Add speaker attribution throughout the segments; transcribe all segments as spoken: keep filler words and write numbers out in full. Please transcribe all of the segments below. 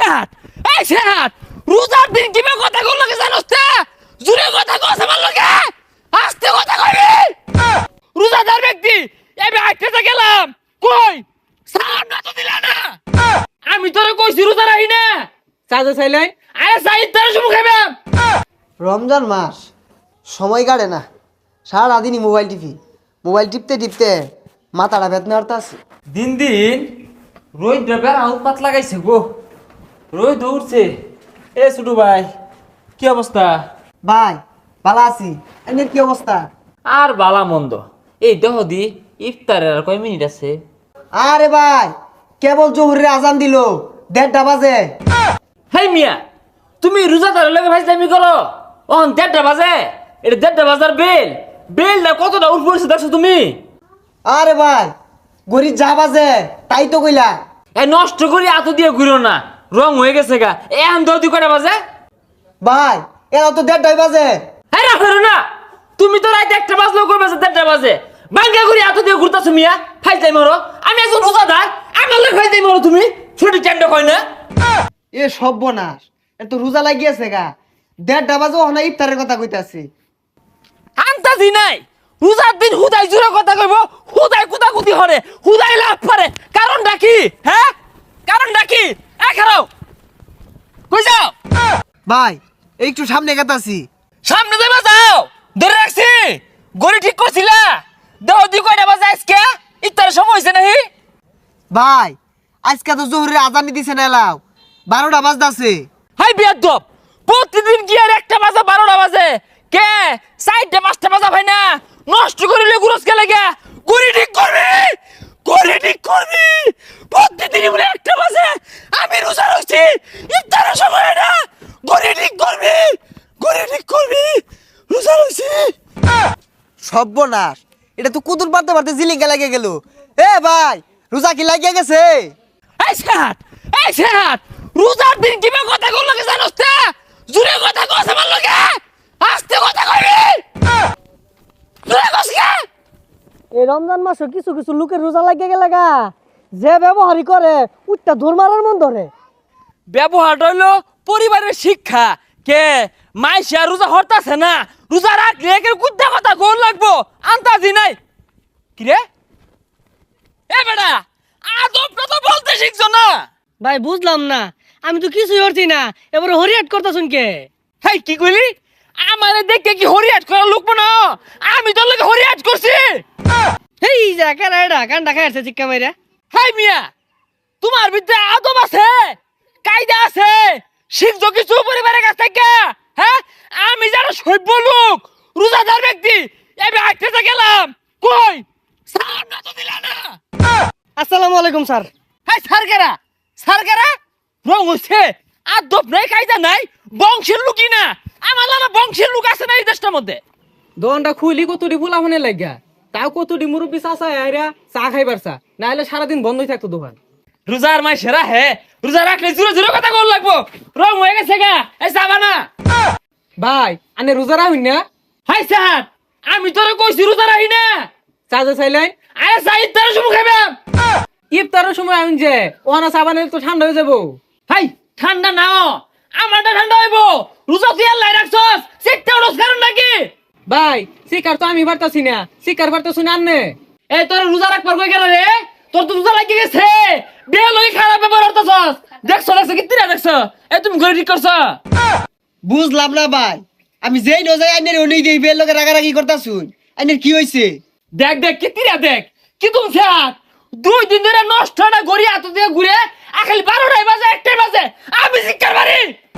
Speaker 1: সেহাত এই সেহাত রোজার দিন কিভাবে কথা কল লাগে জানোস তে জুরে কথা কস আমার লগে আস্তে কথা কইবি রোজাদার ব্যক্তি আমি আইতে গেলাম কই সালাম না তো দিলা না আমি তোরে কইছি রোজা রাখি না
Speaker 2: চাচা চাইলেন
Speaker 1: আরে সাইদ তোর শুমু খাইবাম
Speaker 3: রমজান মাস সময় কাটে না সারাদিনই মোবাইল টিপি মোবাইল টিপতে টিপতে মাথাটা বেদনা হতে আছে।
Speaker 2: দিন দিন রোহিত ড্রাইভার আউটপাত লাগাইছে গো রোহিত দৌড়ছে এ ছোটু ভাই কি অবস্থা?
Speaker 3: ভাই ভালো আছি, এমনি কি অবস্থা?
Speaker 2: আর বালা মন্দ এই দেহ দি ইফতারের আর কয় মিনিট আছে?
Speaker 3: আরে ভাই কেবল জোহরের আজান দিল দেড়টা বাজে।
Speaker 2: হেই মিয়া তুমি রোজাদারের লগে ভাইজামি করো অন দেড়টা বাজে এটা দেড়টা বাজার বেল বেলটা কতটা উঠ পড়ছে দেখছো তুমি?
Speaker 3: আরে ভাই গরিব যা বাজে তাই তো কইলা।
Speaker 2: এ নষ্ট করি এত দিয়ে ঘুরো না রং হয়ে গেছে গা এখন দৌদি কটা বাজে?
Speaker 3: ভাই এরা তো দেড়টাই বাজে।
Speaker 2: হ্যাঁ রাখো না তুমি তো রাইতে একটা বাজলেও করবে দেড়টা বাজে বাঙ্গা করি এত দিয়ে ঘুরতেছো মিয়া ফাইজাই মারো আমি একজন রোজাদার আমার লোক ফাইজাই মারো তুমি ছোট চ্যান্ড কয় না
Speaker 3: এ সর্বনাশ এ তো রোজা লাগিয়েছে গা দেড়টা বাজে ওখানে ইফতারের কথা কইতাছি।
Speaker 1: আন্তাজি নাই রোজার দিন হুদাই জুরে কথা কইব হুদাই কুতা কুতি হরে হুদাই লাভ পারে কারণটা কি? হ্যাঁ কারণটা কি? এ খারাও কই যাও
Speaker 3: ভাই একটু সামনে গেতাছি।
Speaker 1: সামনে যাইবা যাও ধরে রাখছি গড়ি ঠিক করছিলা দেহ দি কয়টা বাজে আজকে ইত্তার সময় হইছে নাহি?
Speaker 3: ভাই আজকে তো জোহরের আজানি দিছে না এলাও বারোটা বাজতাছে।
Speaker 1: হাই বিয়াদব প্রতিদিন কি আর একটা বাজে বারোটা বাজে কে চারটা পাঁচটা বাজা ভাই না নষ্ট করিলে গুরস কে লাগে গড়ি ঠিক করবি গড়ি ঠিক করবি প্রতিদিন বলে একটা বাজে আমি রোজা রাখছি ইফতারের সময় না গড়ি ঠিক করবি গড়ি ঠিক করবি রোজা রাখছি।
Speaker 3: সর্বনাশ এটা তো কুতুর পারতে পারতে জিলিঙ্গা লাগে গেল। এ ভাই রোজা কি লাগিয়ে গেছে?
Speaker 1: এই সেহাত এই সেহাত রোজার দিন কিভাবে কথা কল লাগে জানোস তে জুরে কথা কস আমার লগে আস্তে কথা কইবি জুরে কস কে
Speaker 4: এই রমজান মাসে কিছু কিছু লোকের রোজা লাগিয়ে গেলে গা যে ব্যবহারই করে উঠটা ধর মারার মন ধরে।
Speaker 1: ব্যবহার হইলো পরিবারের শিক্ষা কে মাইশা রোজা হরতাছে না রোজা রাখলে একের কুদ্দা কথা গোল লাগবো আন্তাজি নাই কি রে এ বেটা আদবটা তো বলতে শিখছো না।
Speaker 4: ভাই বুঝলাম না আমি তো কিছুই করছি না এবারে হরিয়াট করতেছুন কে?
Speaker 1: হেই কি কইলি আমারে দেখে কি হরিয়াট করা লোক না আমি তোর লগে হরিয়াট করছি?
Speaker 4: হেই যা কেন এটা কান্ডা খাইছে চিক্কা মাইরা।
Speaker 1: হাই মিয়া তোমার ভিতরে আদব আছে কায়দা আছে শিখছো কিছু পরিবারের কাছ থেকে? হ্যাঁ আমি যারা সভ্য লোক রোজাদার ব্যক্তি আমি আইতে গেলাম কই সালাম না তো দিলা না
Speaker 4: আসসালামু আলাইকুম স্যার।
Speaker 1: হাই সারগেরা সারগেরা রং হচ্ছে আদব নাই কায়দা নাই বংশের লোকই না আমার লাগা বংশের লোক আছে না এই দেশটার মধ্যে?
Speaker 2: দোকানটা খুলি কতটি ফুলা ফোনে লাগা তাও কতটি মুরব্বী চাষা আইরা চা খাইবার চা না হলে সারাদিন বন্ধই থাকতো দোকান।
Speaker 1: রোজার মাই সেরা হে রোজা রাখলে জোরে জোরে কথা কল লাগবো রং হয়ে গেছে গা এই যাবা না
Speaker 2: ভাই আনে রোজা রাখুন না?
Speaker 1: হাই স্যার আমি তোরে কইছি রোজা রাখি না
Speaker 2: চাচা চাইলেন
Speaker 1: আরে সাইদ তোর শুমু খাইবাম
Speaker 2: ইফতারের সময় আমি যে ওহানা সাবানের তো ঠান্ডা হয়ে যাবো।
Speaker 1: হাই ঠান্ডা নাও আমারটা ঠান্ডা হইব রোজা তুই আল্লাহ রাখছস সিটটা ওরস কারণ নাকি?
Speaker 2: ভাই শিকার তো আমি পারতাছি না শিকার পারতাছি না আনে
Speaker 1: এই তোর রোজা রাখবার কই গেল রে তোর তো রোজা লাগি গেছে বে লই খারাপ ব্যবহার করতেছস দেখছস দেখছ কি তিরা দেখছ এ তুমি ঘরে ঠিক করছ?
Speaker 3: বুঝলাম না ভাই আমি যেই নজাই আইনের ওই দেই বের লোকে রাগারাগি করতাছুন আইনের কি হইছে?
Speaker 1: দেখ দেখ কি তিরা দেখ কি তুমি স্যার দুই দিন ধরে নষ্ট না গড়ি হাত দিয়ে ঘুরে আখালি বারোটায় বাজে একটাই বাজে আমি শিক্ষার বাড়ি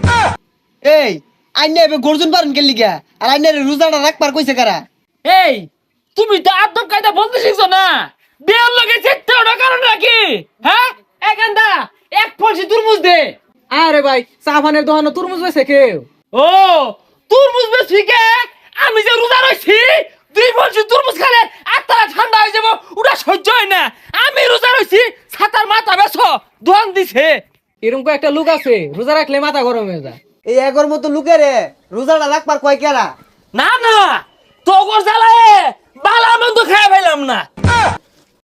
Speaker 3: এই আইনে এবে গর্জন পারেন কে লিগা আর আইনের রোজাটা রাখবার কইছে কারা?
Speaker 1: এই তুমি তো আদব কায়দা বলতে শিখছো না বিয়ের লগে চেষ্টা ওটা কারণ নাকি? হ্যাঁ একান্দা এক ফলসি তুরমুজ দে।
Speaker 2: আরে ভাই সাবানের দোকানে তরমুজ বেছে কেউ?
Speaker 1: ও তুরমুজ বেশি কে আমি যে রোজা রইছি দুই ফলসি তুরমুজ খেলে আত্মারা ঠান্ডা হয়ে যাবো ওটা সহ্য হয় না আমি রোজা রইছি ছাতার মাথা বেছো দোয়ান দিছে।
Speaker 2: এরকম একটা লোক আছে রোজা রাখলে মাথা গরম হয়ে যায়।
Speaker 3: এই এগর মতো লোকেরে রোজাটা রাখবার কয় কেরা?
Speaker 1: না না তোগর জ্বালায় বালা মন্দ খাই ফেলাম না